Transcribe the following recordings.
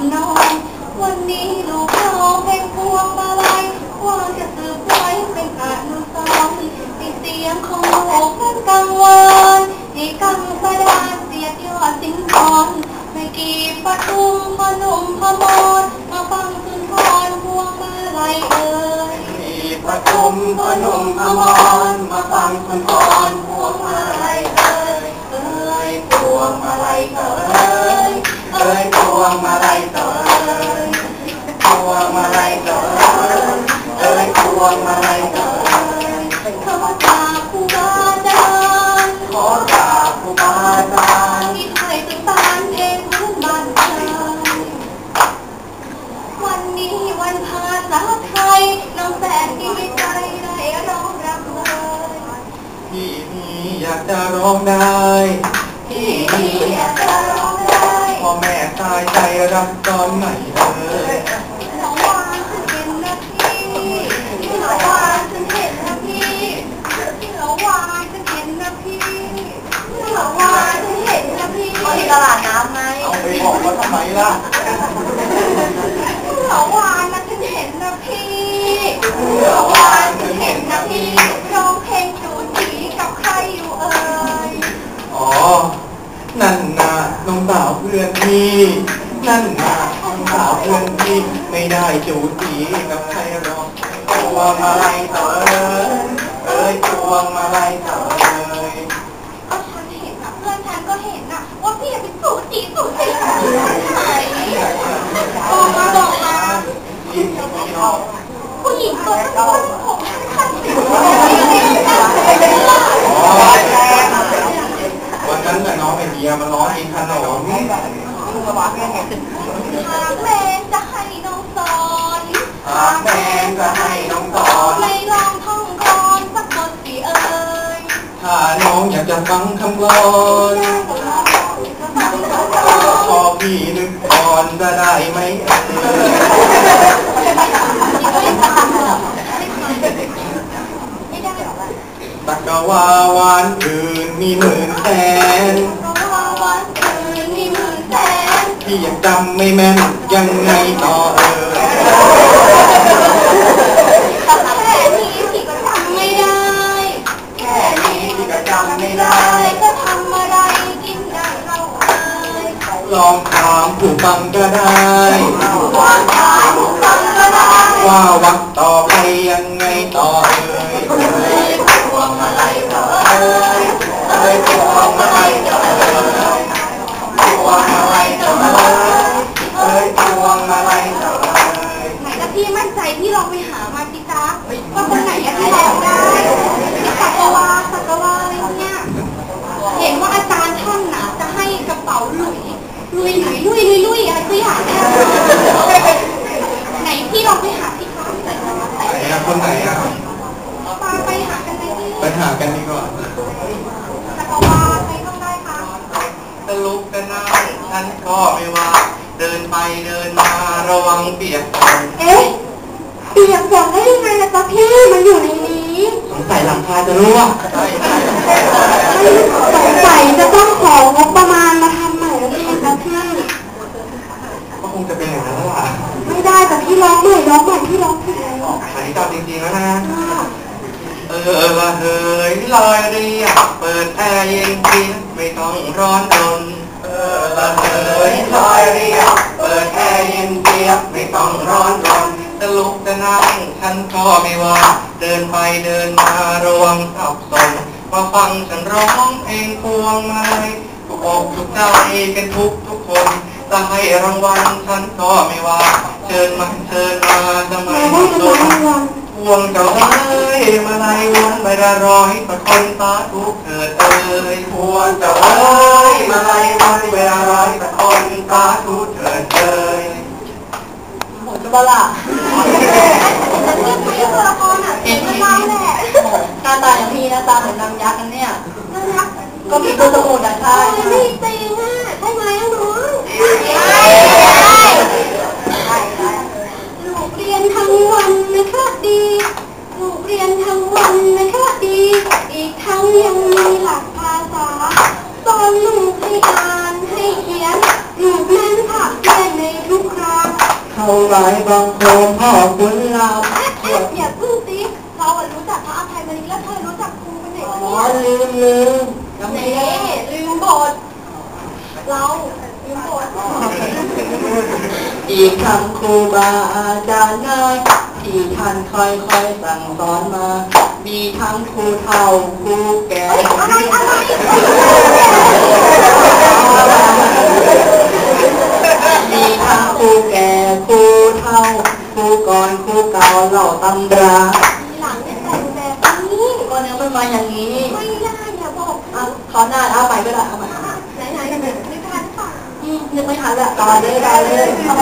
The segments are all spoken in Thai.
ำนองวันนี้ลูกน้องเป็นพวงมาลัยว่าจะสืบไว้เป็นอนุสรณ์ให้เสียงของลูกเป็นกังวานให้กังสดาเสียดยอดสิงคอนไม่กี่ปทุมพนมพมรมาฟังสุนทรพวงมาลัยเอ่ยปทุมพนมพมรมาฟังสุนทรพวงมาลัยเอ่ยเอ่ยพวงมาลัยเอ่ยเอ่ยพวงมาลัยเอ่ยพวงมาลัยเอ่ยเอ่ยพวงมาลัยเอ่ยขอกราบครูบาอาจารย์ขอกราบครูบาอาจารย์ที่ไทยสุสานเพลงพื้นบ้านไทยวันนี้วันภาษาไทยน้องแสนดีใจได้ร้องรำเลยพี่นี่อยากจะร้องได้พี่นี่อยากจะร้องได้พ่อแม่ตายใจรักตอนไหนเลยน้องวานฉันเห็นนะพี่น้องวานฉันเห็นนะพี่น้องวานฉันเห็นนะพี่น้องวานฉันเห็นนะพี่ที่ตลาดน้ำไหมเอาไปบอกว่าทำไมล่ะน้องวานนะฉันเห็นนะพี่น้องวานฉันเห็นนะพี่ร้องเพลงจูจีกับใครอยู่เอ่ยอ๋อนั่นน่ะน้องสาวเพื่อนพี่นั่นน่ะน้องสาวเพื่อนพี่ไม่ได้จูจีกับใครหรอกพวงมาลัยเอ่ยเอ่ยพวงมาลัยเอ่ยก็ฉันเห็นนะเพื่อนฉันก็เห็นนะว่าพี่เป็นจูจีกับใครบอกมาผู้หญิงตัวนั้นผมขันติดวันนั้นน่ะน้องไอเดียมาร้องกินขนมหากแมงจะให้น้องสอนหากแมงจะให้น้องสอนไม่ลองท่องกลอนสักบทสิเอ่ยถ้าน้องอยากจะฟังคำกลอนขอพี่นึกก่อนจะได้ไหมตักกะวาวานอื่นมีหมื่นแสนพี่ยังจำไม่แม่นยังไงต่อแค่นี้พี่ก็จำไม่ได้แค่นี้พี่ก็จำไม่ได้ก็ทำอะไรกินได้เราเอ่ยลองถามผู้ฟังก็ได้ว่าวักต่อไปยังไงต่อพวงมาลัยเอ่ยพวงมาลัยเอ่ยพวงมาลัยเอ่ยพวงมาลัยเอ่ยไหนถ้าพี่มั่นใจพี่ลองไปหามาสิจ๊ะว่าคนไหนที่ร้องได้สักวาอะไรเนี่ยเห็นว่าอาจารย์ท่านน่ะจะให้กระเป๋าลุยอะไรสักอย่างเนี่ยไหนพี่ลองไปหาสิคะไหนอะคนไหนอะไปหากันเลยพี่ไปหากันดีกว่าสักวาใครต้องได้คะจะลุกจะนั่งฉันก็ไม่ว่าเดินไปเดินมาระวังเปียกฝนเปียกฝนได้ยังไงล่ะจ๊ะพี่มันอยู่ในนี้สงสัยหลังคาจะรั่วสงสัยจะต้องของงบประมาณมาทำใหม่แล้วพี่จ๊ะพี่ก็คงจะเป็นอย่างนั้นล่ะไม่ได้แต่พี่ร้องใหม่พี่ร้องผิดแล้วอันนี้ตอบจริงๆแล้วนะละเฮ้ยลอยเรียบเปิดแอร์เย็นกินไม่ต้องร้อนรนละเฮ้ยลอยเรียบเปิดแอร์เย็นเจี๊ยบไม่ต้องร้อนรนจะลุกจะนั่งฉันก็ไม่ว่าเดินไปเดินมาระวังสับสนมาฟังฉันร้องเพลงพวงมาลัยทุกอกทุกใจกันทุกคนจะให้รางวัลฉันก็ไม่ว่าเชิญมาทำไมไม่สนพวงเจ้าเอ้ยมาลัยวนไปละร้อยประคนสาธุเถิดเอ้ยพวงเจ้าเอ้ยมาลัยวนไปละร้อยประคนสาธุเถิดเอ้ยหมดบ้าล่ะพี่ตัวละครอ่ะเป็นเล่าแหละหน้าตาอย่างพี่หน้าตาเหมือนนางยักษ์กันเนี่ยก็มีตัวสมุนอ่ะใช่ไม่จริงอ่ะใช่ไหมน้องลูกเรียนทั้งวันนะคะดีลูกเรียนทั้งวันนะคะดีอีกทั้งยังมีหลักภาษาสอนลูกให้อ่านให้เขียนลูกนั้นผักเรียนในทุกคเขาไว้บังคมพ่อคุณเราอย่าพึ่งสิเรารู้จักพระอภัยมณีแล้วเธอรู้จักครูคนไหนอ๋อเนี่ยลืมเน่ลืมบทเราลืมบทอีกคำครูบาอาจารย์น้อยที่ท่านค่อยๆสั่งสอนมามีทั้งครูเฒ่าครูแก่มีทั้งครูแก่ครูเฒ่าครูก่อนครูเก่าเหล่าตำราหลังเนี่ยแต่งแบบนี้ก็เนื้อมันมาอย่างนี้ไม่ได้อย่าบอกขอหน้าเอาไปก็ได้เอาไปไหนไม่ทันป่ะนึกไม่ทันละต่อเลยได้เลยเอาไป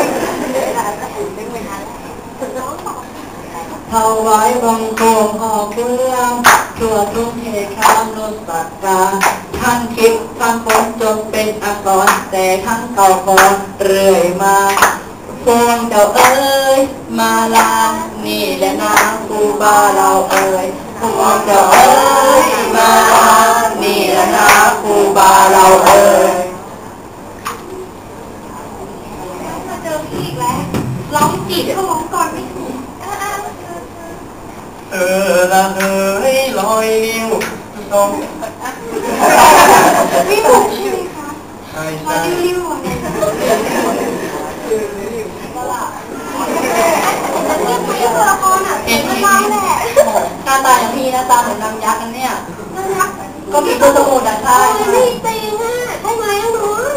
เขาไว้บังคมพ่อคุณเรื่องทั่วทุกเหตุการณ์นุสักการท่านคิดท่านพ้นจนเป็นอักษรแต่ทั้งเก่าก่อนเรื่อยมาพวงเจ้าเอ้ยมาลานี่แหละนะครูบาเราเอ้ยพวงเจ้าเอ้ยมาลานี่แหละนะครูบาเราเอ้ยมาเจอพี่อีกแล้วร้องจีบก็ร้องก่อนไม่ถูกละเฮ้ยลอยนิ้วตรงไม่ถูกใช่ไหมคะใช่มาใช่ริ้วๆอะไรเรื่องไม่ตัวละครอ่ะเป็นเราแหละหน้าตาอย่างพี่หน้าตาเหมือนนางยักษ์กันเนี่ยน่ารักก็มีตัวสมุดอ่ะใช่ไม่จริงอ่ะใช่ไหมน้อง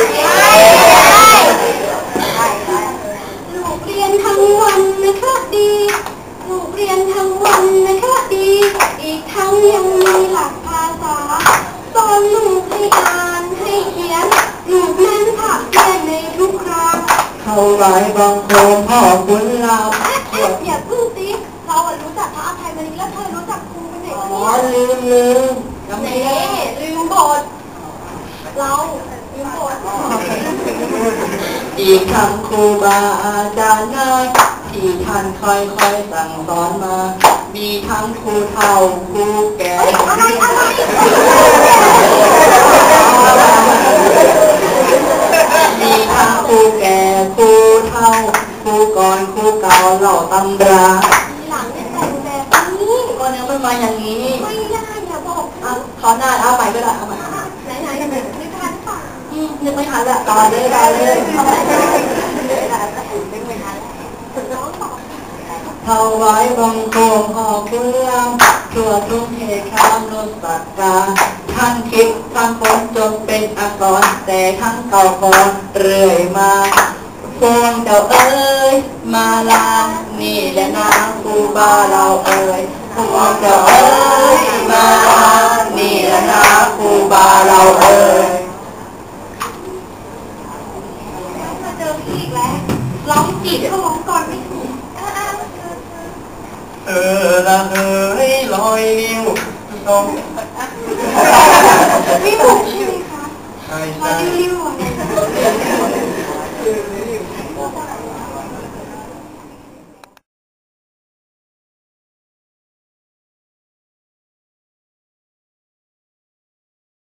ลูกเรียนทั้งวันนะคะดีลูกเรียนทั้งวันนะคะดีอีกทั้งยังมีหลักภาษาสอนลูกให้อ่านให้เขียนลูกนั้นผักเพียนในทุกครั้งเขาไว้บังคมพ่อคุณเราอย่าพึ่งสิเรารู้จักพระอภัยมณีแล้วเธอรู้จักครูคนไหนอ๋อเนี่ยลืมเน่ลืมบทเราลืมบทอีกคำครูบาอาจารย์น้อยที่ท่านค่อยๆสั่งสอนมามีทั้งครูเฒ่าครูแก่ มีทั้งครูแก่ครูเฒ่าครูก่อนครูเก่าเหล่าตำราหลังเนี่ยแต่งแบบนี้ก็เนื้อมันมาอย่างนี้ไม่ได้อย่าบอกขอหน้าเอาไปก็ได้เอาไปไหนไม่ทันป่ะนึกไม่ทันละต่อเลยได้เลยเอาไปน้องบอกเขาไว้บังคมพ่อคุณเรื่องทั่วทุกเหตุการณ์นุสักการท่านคิดท่านพ้นจนเป็นอักษรแต่ทั้งเก่าก่อนเรื่อยมาพวงเจ้าเอ้ยมาลานี่แหละนะครูบาเราเอ้ยพวงเจ้าเอ้ยมาลานี่แหละนะครูบาเราเอ้ยมาเจอพี่อีกแล้วร้องจีบก็ร้องก่อนไม่ถูกละเฮ้ยลอยนิ้วตรงไม่ถูกใช่ไหมคะใช่มาใช่ริ้วๆอะไร